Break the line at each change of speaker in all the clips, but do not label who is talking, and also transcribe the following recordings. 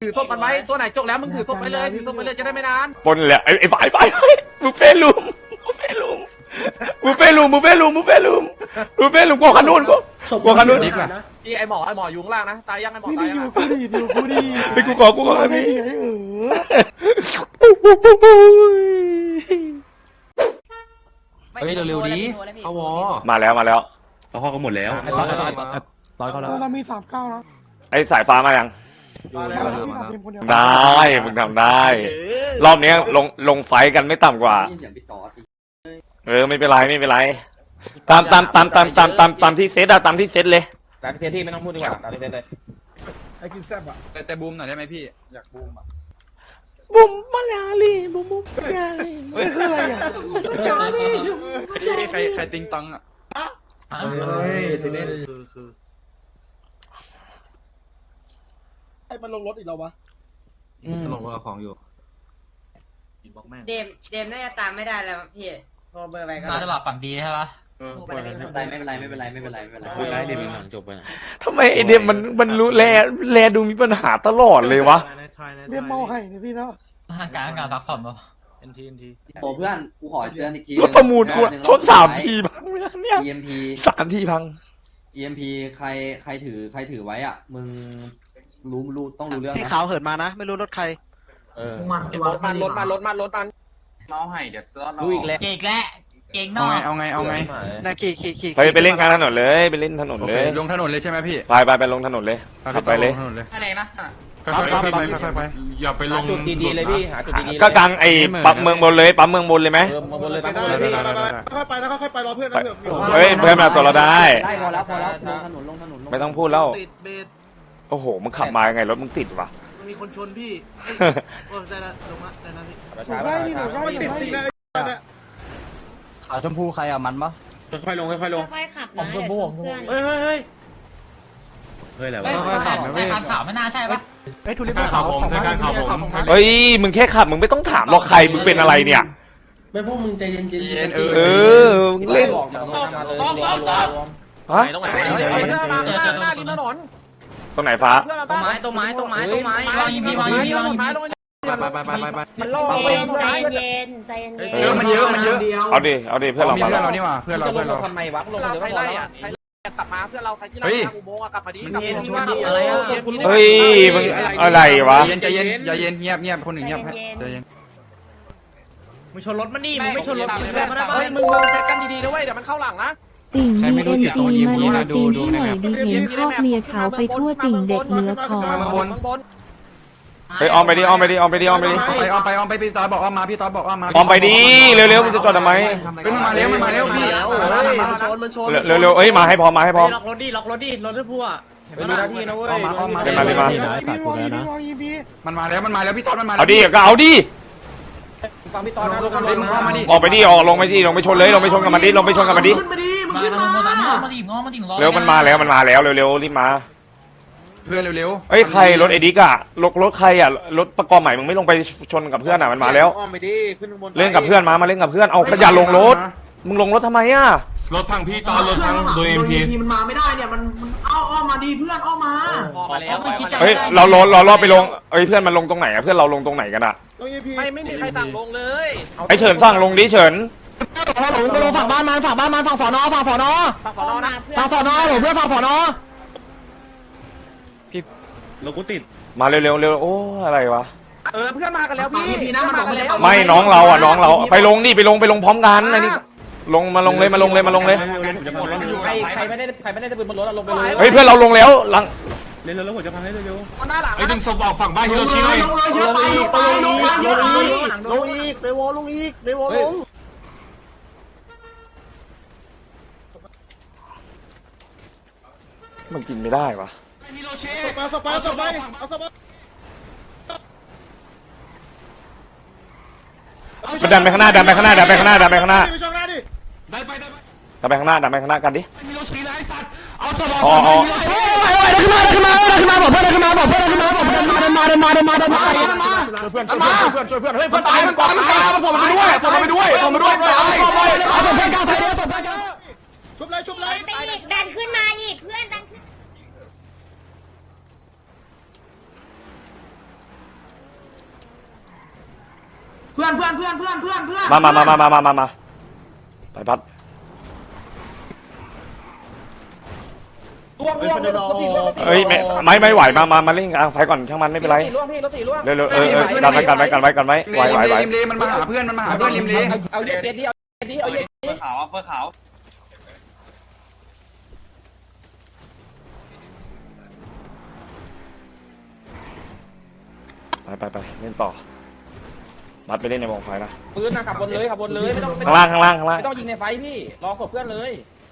ถือศพมันไว้ตัวไหนจกแล้วมึงถือศพไปเลยถือศพไปเลยจะได้ไม่นาน
ปนแหละไอ้ฝ่ายมึงเฟลุมมึงเฟลุมกูกลัวขนุนกูขนุน
ที่ไอหมออยู่ข้างล่างนะตายยังไอหมอ
ไม่
ตา
ได้
ย
อ
ยัง
ยู่กูดีอยู่กูดี
ไปกูขออันนี้
เฮ้ยเร็วๆดิเขาวอ
มาแล้ว
เขาห้องกันหมดแล้ว
ร้อยเขาแล้วเรามี39แล้ว
ไอ้สายฟ้ามายัง
มาแล้ว
พี่สามทีมคนเดียว
ได้มึงทำได้ รอบนี้ลงไฟกันไม่ต่ำกว่าไม่เป็นไรตามที่เซตอะตามที่เซตเลย
ตามที่พี่ไม่ต้องพูดดีกว่าตามที่เลย
ไอ้กินแซ่บอ่ะ
แต่บูมหน่อยได้ไหมพี่อยากบูมอ่ะ
บุ้มมาลาลีบุ้มมาลาลี
ไม่คืออะไรอ่ะ
ใครติงตังอ่ะ
ไอ้มันลงรถอีกแล้ววะ
ลงกับของอยู่
เดมน่าจะตามไม่ได้แล้วพี่โทรเบอร์ไปก็
น่าจะหลับฝันดีใช่ปะ
ไม่เป็นไร
ได้เดี๋ยวมีหนังจบไป
ทำไมไอเดมมันรู้แลดูมีปัญหาตลอดเลยวะ
เรียกเมาให้เนี่ยพี่เนาะ
การพักผ่อนปะ
โอ้เพื่อนกูขอเตือนอีกที
รถประมูลกูชน3 ทีพังไปแล้วเนี่ย
EMP
3 ทีพัง
EMP ใครถือไว้อ่ะมึงรู้ต้องรู้เรื่อง
ที่
นะ
ขาวเหินมานะ ไม่รู้รถใคร
รถมัน
เมาให้เดี๋ยวต้อน
รู้อีกแล้ว
เก่งและเก่งนอก
เอาไง
นาขี่
ไปเล่นกลางถนนเลยไปเล่นถนน
โอ
เล
เค
ย
ลงถนนเลยใช่ไหมพี่
ไปลงถนนเลยขับไปเลย
ลงถนนเลย
อะไรนะ
ค่อยๆไปอย่าไปลง
จุดดีๆเลยพี่หาจุดดีๆ
ก็กลางไอ้ปั๊มเมืองบนเลยปั๊มเมืองบนเลยไหม
มาบนเลย
ไป
ปั๊ม
ได้
บนเลย
พี่
พี่
ค่อยไปนะค่อยไปรอเพื่อนนะเพื่อน
เฮ้ยเพื่อนมาตัวเราได้
ได้พอแล้วลงถนน
ไม่ต้องพูดแล้ว
ติดเบส
โอ้โหมึงขับมายังไงรถมึงติดวะ
มีคนชนพี่โอ้ได้ละลงละได้ละพี่
หนูได้นี่หนูได้เนี่ย
ขาวชมพูใครอ่ะมันปะ
ค่อยๆลง
ค่อยขับนะเดี๋ยวชนเพื่อน
เฮ้ยอะไร
ไม่
วะ
ค่อยขับไม่การข่าวไม่น่าใช่ปะ
ไอ้ทุเรียนขาวผม
เฮ้ยมึงแค่ขับมึงไม่ต้องถามหรอกใครมึงเป็นอะไรเนี่ย
ไม่พวกมึงใจเย็น
เออมึงเล่นฮะ
ตรงไหนมาหน้าริมถนน
ตรงไหนฟ้า
เพื่อนมา
ต้น
บ้าน
ต้นไม้
วางยิงพีวางยิงพีวางยิงพี
ไป
มันล่อ
ใจเย็นใจเย็น
เยอะมันเยอะ
เอาดิเพื่อนเรา
มี
มา
เพื่อน
แล้ว
เรานี่หว่าเพื่อนเรา
ทำไมวะลงเดี๋ยวก็พอแล้วกลับมาเพื่อนเราใครที่เราอุโมงค์กลับมาดีกลับมาดี
เฮ้ยมึงอะไรวะ
ใจเย็นอย่าเย็นเงียบคนหนึ่งเงียบใจเย็น
มึงชนรถมันนี่มึงไม่ชนรถมึงมาได้ปะ
เฮ้ยมึงเซ็ตกันดีๆนะเว้ยเดี๋ยวมันเข้าหลังนะ
ติ่ง BNG มาลาตีนให้หน่อยดิเห็นชอบเลียเขาไปทั่วติ่งเด็กเหนือคอ
เฮ้ยอ้อมไปดิ
ไปพี่ตอบอกอ้อมมาพี่ตอบอกอ้อมมา
อ้อมไปดิเร็วๆมึงจะจอดทำไม
มันมาแล้วพี่
มันชน
เร็วๆเอ้ยมาให้พร้อม
ล็อกรถดิรถที่พัว
ไปดูหน้าที่นะเว้ย
อ้อมมา
พี่วองอีพี
มันมาแล้วพี่ตอมันมา
เอาดิก็เอาดิ
ฟังพี่ตอนนะ
มึงเข้ามาดิ
ออกไปดิลงไปชนเลยลงไปชนกับมันดิ
มามาถึงล้อ
เร็วมันมาแล้วเร็วๆรีบมา
เพื่อนเร็ว
เอ้ยใครรถเอดิกอะรถใครอะรถประกอบใหม่มึงไม่ลงไปชนกับเพื่อนอะมันมาแล้ว
อ้อมไปดิขึ้นข้างบน
เล่นกับเพื่อนมาเล่นกับเพื่อนเอาขยะลงรถมึงลงรถทำไมอะ
รถพังพี่ตอนรถพังโดย MP
มันมาไม่ได้เนี่ยมันอ้อมมาดีเพื่อนอ้อมมา
ออกมาแล้ว
เฮ้ยเรารอไปลงเอ้ยเพื่อนมันลงตรงไหนอะเพื่อนเราลงตรงไหนกันอะ
ลงอีพี
ไม่มีใครสั่งลงเลย
ไอเฉินสั่งลงดิเฉิน
ก็ลงฝั่งบ้านมันฝั่งสอนอ
ฝั่งสอนอนะ
ฝั่งสอนอหรือเพื่อนฝั่งสอนอ
รถกูติด
มาเร็วโอ้อะไรวะ
เพื่อนมากันแล้วพี่นะมันมากันแล้ว
ไม่น้องเราไปลงดิไปลงพร้อมกันอันนี้มาลงเลย
ใครไม่ได้จะปืนบนรถลงไปเลย
เฮ้ยเพื่อนเราลงแล้วหลัง
เร็วผมจะพังให้เร็ว
หน้าหลัง
ไอ้ดึงศพออกฝั่งบ้านฮิโรชิหน่อย
ลงอีกเดวลงอีกเดวลง
มันกินไม่ได้วะ
ฮิโรชิ
สไปเอาสไป
มันดันไปข้างหน้าดันไปข้างหน้า
ไปช่องหน้าดิ
ได้ไป
ดันไปข้างหน้ากันดิ
ฮิโรชินะไอ้สัตว์เอาศพออก
อ๋อ
ขึ้นมาบอกเพื่อนขึ้นมาบอกเพื่อนมา
เพื่อนช่วยเพื่อนเฮ้ยเพื่อนตายมันส่งไปด้วยตาย
เอาตัวเพื่อนกลางไฟเดียวตัวเพื่อนกลาง
ชุบเลย
ไปอีกดันขึ้นมาอีกเพื่อนดันขึ้นเพื่อนมา
ไปพัด
ล่วง
เอ้ยไม่ไหวมาเล่นกลางไฟก่อนช่างมันไม่เป็นไร
ล่วงพี่รถสี่ล่วง
เร็วกันไว้ไหว
ริมเลมันมาหาเพื่อนริมเล
เอาเด็ดดิเอาเด็ดดิเอาเด็ดดิ
ขาวเฟอร์ขาว
ไปเล่นต่อมัดไปเล่นในวงไฟนะ
ปืนนะขับบนเลยไม่ต้อง
ข้างล่าง
ไม่ต้องยิงในไฟพี่รอศพเพื่อนเลย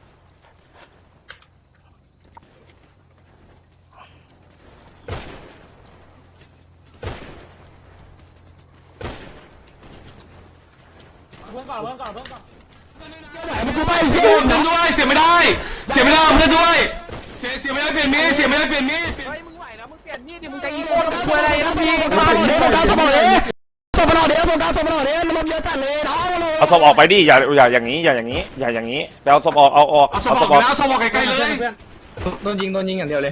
มึงกูไปเสียเพื่อนด้วยเสียไม่ได้เพื่อนด้วยเสียไม่ได้เปลี่ยนมีด
เฮ้ยมึงไหวนะมึงเปลี่ยนมีดดิมึงจะอีโก้มึงคุยอะไรนะพี่
เอาศพออกไปดิอย่าอย่างนี้ไปเอาศพออกเอาออก
เอาสมองแล้วสมองใกล้ๆเลย
โดนยิงอย่างเดียวเลย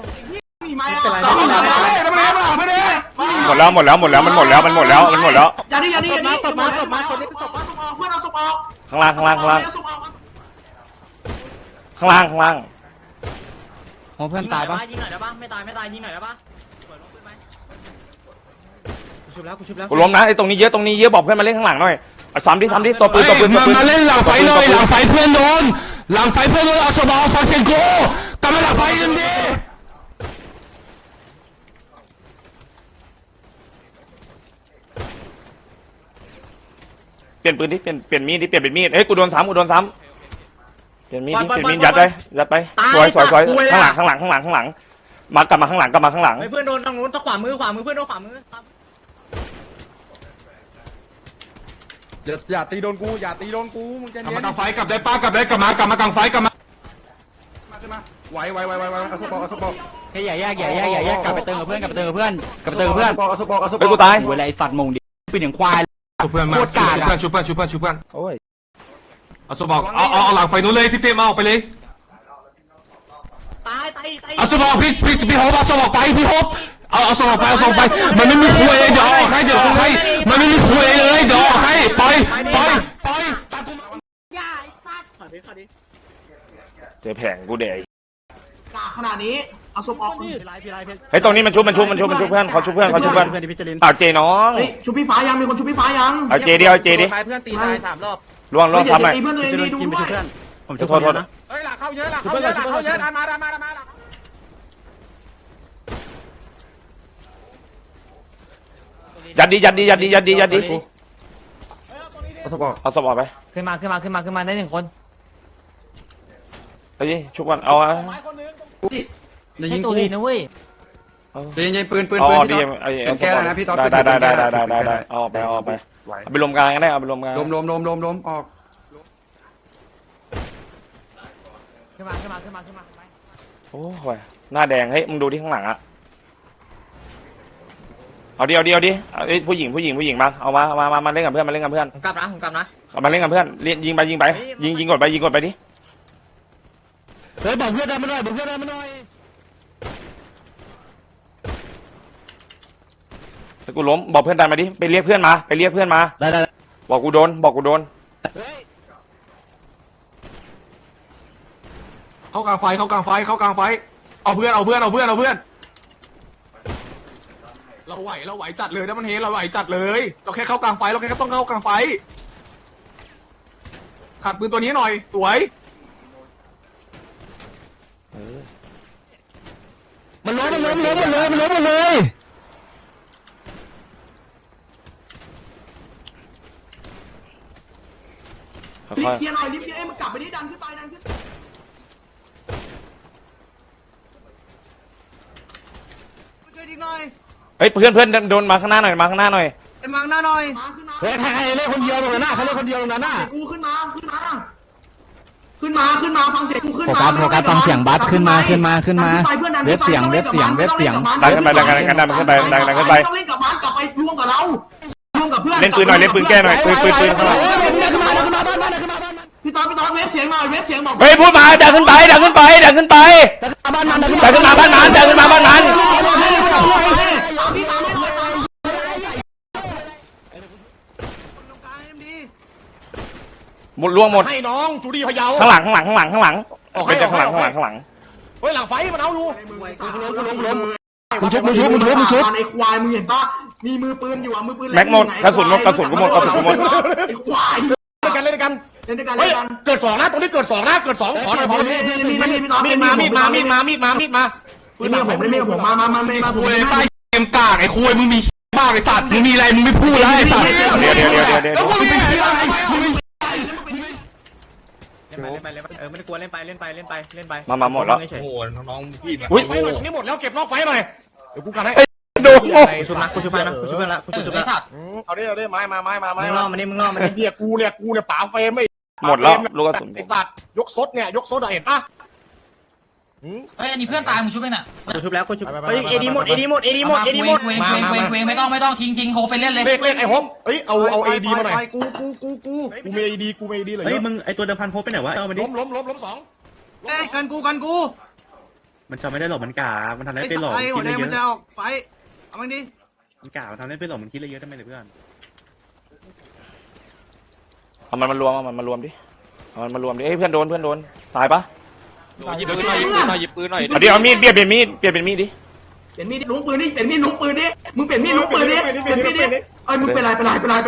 ไม่ได้
หมดแล้วมันหมดแล้ว
อย่าดิ
ศพมาคนนี้เป็นศพมา
เพื่อนเอาศพออก
ข้างล่าง
ของเพื่อนตายปะ
ยิงหน่อยได้ปะไม่ตายยิงหน่อยได้ปะ
กูล้มนะไอ้ตรงนี้เยอะบอกเพื่อนมาเล่นข้างหลังหน่อยซ้ำดิตัวปืน
มาเล่นหลังไฟหน่อยหลังไฟเพื่อนโดนเอาสมองฟังเสียงกูกลับมาหลังไฟกันดิ
เปลี่ยนปืนดิเปลี่ยนมีดดิเปลี่ยนเป็นมีดเฮ้ยกูโดนซ้ำเปลี่ยนมีดยัดไปสวยข้างหลังมากลับมาข้างหลัง
เพื่อนโดนทางนู้นขวามือเพื่อนโดนขวามือ
อย่าตีโดนกูมึงจะ
กลับ
เน้
มาน กลางไฟกลับได้ป้ากลับมากลางไฟกลับมา
ขึ้นมาไหวเอาสปอร์
แค่อย่าแยกกลับไปเติมกับเพื่อนเอาสปอร์
เฮ้ยกูตาย
เวลาไอ้สัตว์มงดิเป็นอย่างควาย
ชุบเพื่อนเอาสมองเอาหลังไฟนู้นเลยพี่เฟรมเอาออกไปเลยเอาสมองพี่โฮปเอาสมองไปพี่โฮปเอาสมองไปมันไม่มีคุยเดี๋ยวออกให้มันไม่มีคุยเลยเดี๋ยวออกให้ไปตามกูมา
เจอแผงกูเดย
ขนาดนี้เอาศพออก
เฮ้ยตรงนี้มันชุบเพื่อนเขาชุบเพื่อนเอาเจน้อง
ชุบพี่ฟ้ายังมีคนชุบพี่ฟ้ายัง
เอาเจดิ
ไฟเพื่อนตีตาย3 รอบ
ล่วงซ้ำหน่อย
ตีเพื่อนตัวเองดีดูด้วย
ผมโทษนะ
เฮ้ยหลักเข้าเยอะดันมา
ยัดดิ
เอาสปอร์
เอาศพออกไป
ขึ้นมาได้1 คน
เฮ้ยชุบก่อนเอา
จะยิง
ตู
กู
ดีนะเว้ย
ยิงปืน
อ๋อดีไอ้
เป็นแก้แล้วนะพี่ต๊อด
ได้เอาไปไปรวมกลางกันได้เอาไปรวมกลาง
ลมออก
ขึ้นมา
โอ้ยหน้าแดงเฮ้ยมึงดูที่ข้างหลังอะเอาดิผู้หญิงมาเอามาเล่นกับเพื่อน
ผมกลับนะ
เอามาเล่นกับเพื่อนยิงไปยิงกดไปดิ
เฮ้ยบอกเพื่อนได้มาหน่อย
ถ้ากูล้มบอกเพื่อนตายมาดิไปเรียกเพื่อนมา
ได้
บอกกูโดน
เข้ากลางไฟเอาเพื่อนเราไหวจัดเลยนะมันเฮเราไหวจัดเลยเราแค่เข้ากลางไฟเราแค่ต้องเข้ากลางไฟขัดปืนตัวนี้หน่อยสวย
มันล้มเลย
รีบเคลียร์หน่อยมันกลับไปนี่ดันขึ้นช่วยดิหน่อย
เฮ้ยเพื่อนโดนมาข้างหน้าหน่อย
ไอ้มังหน้าหน่อย
เฮ้ยใครเล่นคนเดียวตรงนั้นน่ะ
กูขึ้นมาฟังเสียงกูขึ้นมา
โฟกัสฟังเสียงบัสขึ้นมาเว็บเสียง
ดันขึ้นไปต้องเล่นกับมันกลับไปร่วมกับเราเล่นปืนหน่อยเล่นปืนแก้หน่อยปืนข้างหลัง
พี่ต๊อดเว็บเสียงบอก
เฮ้ยพูดมาดันขึ้นไปดันขึ้นมาบ้านมันหมดล่วงหมด
ให้น้องจูดี้พะเยา
ข้างหลังเป็นจากข้างหลัง
เฮ้ยหลังไฟมันเอาอยู่
มึงชุบ
ไอ้ควายมึงเห็นปะมีมือปืนอยู่อ่ะมือปืน
แม็กหมดกระสุนกูหมด
ไอ้ควาย
เล่นกัน
เล่นด้วยกัน
เฮ้ย
เล่นกัน
เกิด2นะตรงนี้เกิด2นะเกิด2ขอหน่อยบอลมีดมามีดมาปืนหนักผมไม่ผมมา
คุยไปเกมกากไอ้คุยมึงมีบ้าไอ้สัตว์มึงมีอะไรมึงไม่พูดแล้วไอ้สัตว์
เดี๋ยว
แล้วคุณมีอะไรมึงมี
เล่นไปไม่ได้กลัวเล่นไป
มาหมดแล้ว
โอ้โหน้องพี่
อุ้ย
ไฟหน่อยนี่หมดแล้วเก็บนอกไฟหน่อยเดี๋ยวกูกันให้
โดน
กูชุบนะกูชุบไปนะกูชุบไปละกูชุบละ
เอาดิไม้
มึงล่อมันนี่
เฮียกูเนี่ยป๋าเฟรมไม่
หมดแล้วลูกกระสุน
ไอ้สัตว์ยกซดเนี่ยยกซดเห็นปะ
เฮ้ยอันนี้เพื่อนตายมึงชุบไปน่ะ
กูชุบแล้วกูชุบ
เฮ้ยเอดีหมด
ไม่ต้องทิ้งโฮไปเล่นเลย
เลขไอ้ฮบเฮ้ยเอาเอดีมาหน่อยกูมีเอดีเลย
เฮ้ยมึงไอตัวเดิมพันพบไปไหนวะเอามาดิ
ล้มสอง
กันกู
มันจะไม่ได้หลบมันกามันทำได้เป็นหลบคิดเยอะ
มันจะออกไฟเอามันดิ
มันกามันทำได้เป็นหลบมันคิดเยอะทำไมเลยเพื่อน
เอามันมารวมดิเฮ้ยเพื่อนโดนตายปะ
หยิบปืนหน่อย
เอาดิเอามีดเปลี่ยนเป็นมีดดิ
เปลี่ยนมีดลุงปืนดิมึงเปลี่ยนมีดลุงปืนดิเอ้ยมึงเป็นไรล้อหลอก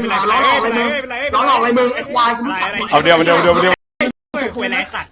อะไรมึงไอ้ควายกูรู้จัก
เอาเดียว
คุยอะไรสัตว์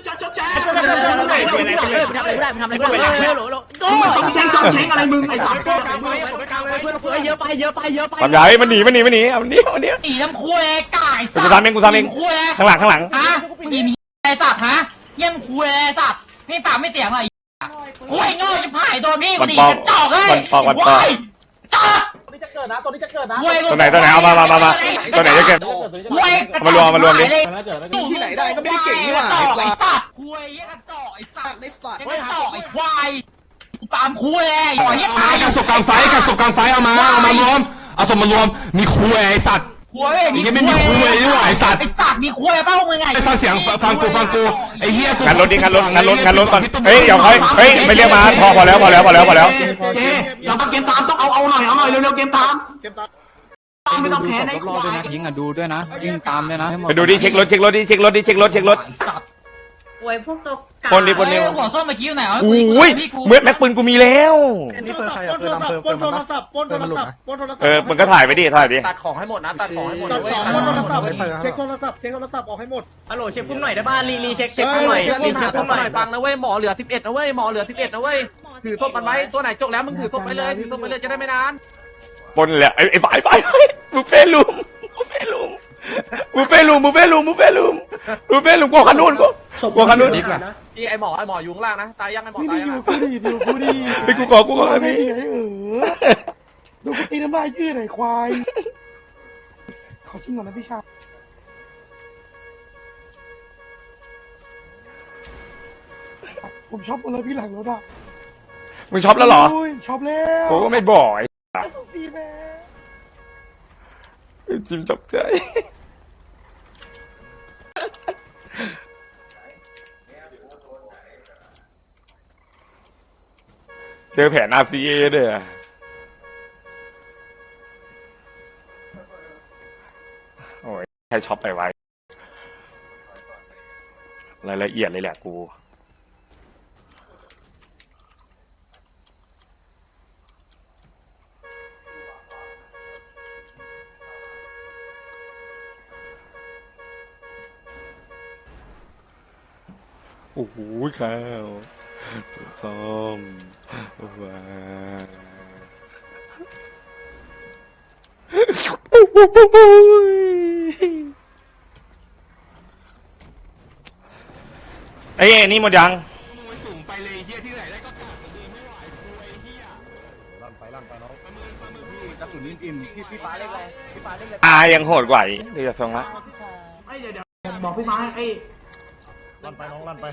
ทำอะไรช่องเช้งอะไรมึงไอ้สัตว์
เยอะไป
ทำใหญ่มันหนีเอามันนี้
อีน้ำคุยไก่สัตว์
กูทำเองข้างหลัง
ฮะมึงมีไอ้สัตว์ฮะเยี่ยมคุยไอ้สัตว์นี่ปากไม่เสียงอะไรคุยโง่จะผ่ายโดนพี่กูดีกระจอกเลยควายจอก
ตัวนี้จะเกิดนะตัวไหน
เอามาตัวไหนจะเก็บ
คุย
เอามารวมดิ
ที่ไหนได้ก็ไม่ได้เก่งนี่หว่า
ไอ้สัตว์คุยกระจอกไอ้สัตว์
ไอ้สัตว์
กระจอกไอ้ควายตามคุยไอ้หอยตาย
กระสุนกลางไฟเอามารวมเอาสมมารวมมีคุยไอ้สัตว์
คุย
ยังไม่มีคุยด้วยไอ้สัตว์
ไอ้สัตว์มีคุยเป้ามึงไง
ฟังเสียงฟังกูไอ้เหี้ยกู
งานรถก่อนเฮ้ยเดี๋ยวเฮ้ยไม่เรียกมาพอแล้ว
เจเราต้องเกมตามต้องเอาหน่อยเร็วๆเกมตามไม่ต้องแพ้ในควาย
ยิงอ่ะดูด้วยนะยิงตามด้วยนะ
ไปดูดิเช็ครถ
โวยพวกตัวกา
คนดิ
หัวส้มเมื่อกี้อยู่ไหน
อุ้ยเมื่อแม็กปืนกูมีแล้ว
นี่เปิดใครอ่ะเปิดโทรศัพท์
มึงก็ถ่ายไปดิ
ตัดของให้หมดนะตัดของให้หมด
เช็คโทรศัพท์ออกให้หมด
ฮัลโหลเช็คพุ่มหน่อยได้ป่ะรีเช็คพุ่มหน่อยรีเช็คพุ่มหน่อย
ฟังนะเว้ยหมอเหลือ11นะเว้ยนะเว้ยถือศพมันไว้ตัวไหนจกแล้วมึงถือศพไปเลยจะได้ไม่นาน
ปนแหละไอ้ฝ่ายมึงเฟลุมกลัวขนุนดีกว่า
ที่ไอหมออยู่ข้างล่างนะตายยังไอหมอตายยัง
กูดี
ไปกูขออันนี้
ดูกูตีน้ำลายยืดหน่อยควายขอชิมก่อนนะพี่ชายผมชอบอะไรพี่หลังรถอ่ะ
มึงช็อปแล้วเหรอ
ชอบแล้ว
โอ้ไม่บ่อย
สีแม่
จิมจับใจเจอแผน RCA ด้วยโอ้ยใครช็อปไปไว้รายละเอียดเลยแหละกูโอ้โหข้าวส้มว้าไอ้นี่หมดยัง
สูงไปเลยเหี้ยที่ไหนได้ก็กลับไม่ไหวคุยเหี้ย
ลั่นไปน้องกระสุนอิ่มพี่ฟ้าเล่นเลย
ยังโหดกว่าอีกเดี๋ยวจะส่งละ
เดี๋ยวบอกพี่ฟ้าไอ้
ลั่นไปน้องลั่นไป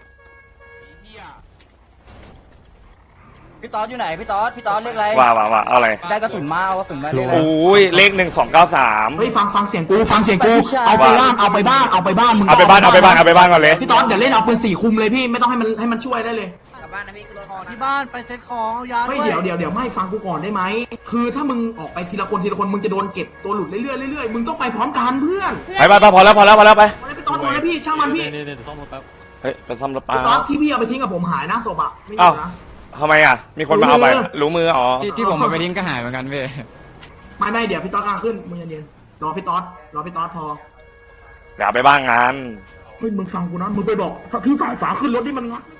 พี่ต๊อดอยู่ไหนพี่ต๊อดเรียกอะไร
ว่าเอาอะไร
ได้กระสุนมาเอากระสุนมาเลย
โอ้ยเลข1293
เฮ้ยฟังเสียงกูเอาไปบ้านมึง
เอาไปบ้านก่อนเลย
พี่ต๊อดเดี๋ยวเล่นเอาปืน4คุมเลยพี่ไม่ต้องให้มันช่วยได้เลย
กลับบ้านนะพี่กูรถ
ที่บ้านไปเซ็ตของเอายา
ไม่เดี๋ยวไม่ฟังกูก่อนได้ไหมคือถ้ามึงออกไปทีละคนมึงจะโดนเก็บตัวหลุดเรื่อยๆมึงต้องไปพร้อมกันเพื่อน
ไปพอแล้วไป
ไปตอนเลยพี่ช่างมันพี่
เฮ้ยไปซ่อมรถ
ต
ป้า
อนที่พี่เอาไปทิ้งกับผมหายนะศพอะไม่อยู่นะ
ทำไมอ่ะมีคนมาเอาไปรู้มืออ๋อ
ที่ผมมาไปทิ้งก็หายเหมือนกันพี่
ไม่เดี๋ยวพี่ต๊อดกลางขึ้นมึงเย็นๆรอพี่ต๊อดพอ
เดี๋ยวไปบ้างงาน
เฮ้ยมึงฟังกูนะมึงไปบอกพี่ฝ่ายฝาขึ้นรถที่มันงัด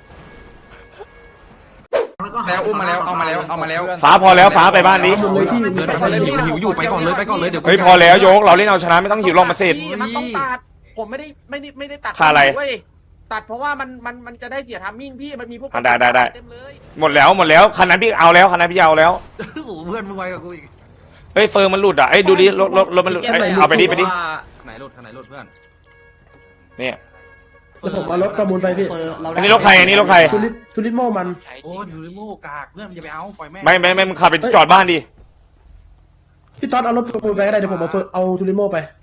แล้วอุ้มมาแล้วเอามาแล้ว
ฟ้าพอแล้วฟ้าไปบ้านนี้
หิวอยู่ไปก่อนเลยเดี๋ยว
เฮ้ยพอแล้วโยกเราเล่นเอาชนะไม่ต้องหิวลงมาเสร็จ
มันต้องตัดผมไม่ได้ตัด
ค่าอะไร
ตัดเพราะว่ามันจะได้เสียทัมมิ่งพี่มันมีพวก
ได้
เต็มเลย
หมดแล้วคันนั้นพี่เอาแล้วคันนั้นพี่เอาแล้ว
เพื่อนมึงไวกับกูอีก
เฮ้ยเฟิร์มมันหลุดอ่ะไอ้ดูดิรถมันหลุดเอาไปดิ
ไหนรถเพื่อน
เนี่ย
ผมเอารถประมูลไปพี่
อันนี้รถใคร
ทุลิโมมัน
โอ้ยอยู่ในโม่กากเพื่อนอย่าไปเอาปล่อยแม่
ไม่มึงขับไปจอดบ้านดิ
พี่ต๊อดเอารถประมูลไปก็ได้เดี๋ยวผมเอาทุลิโมไป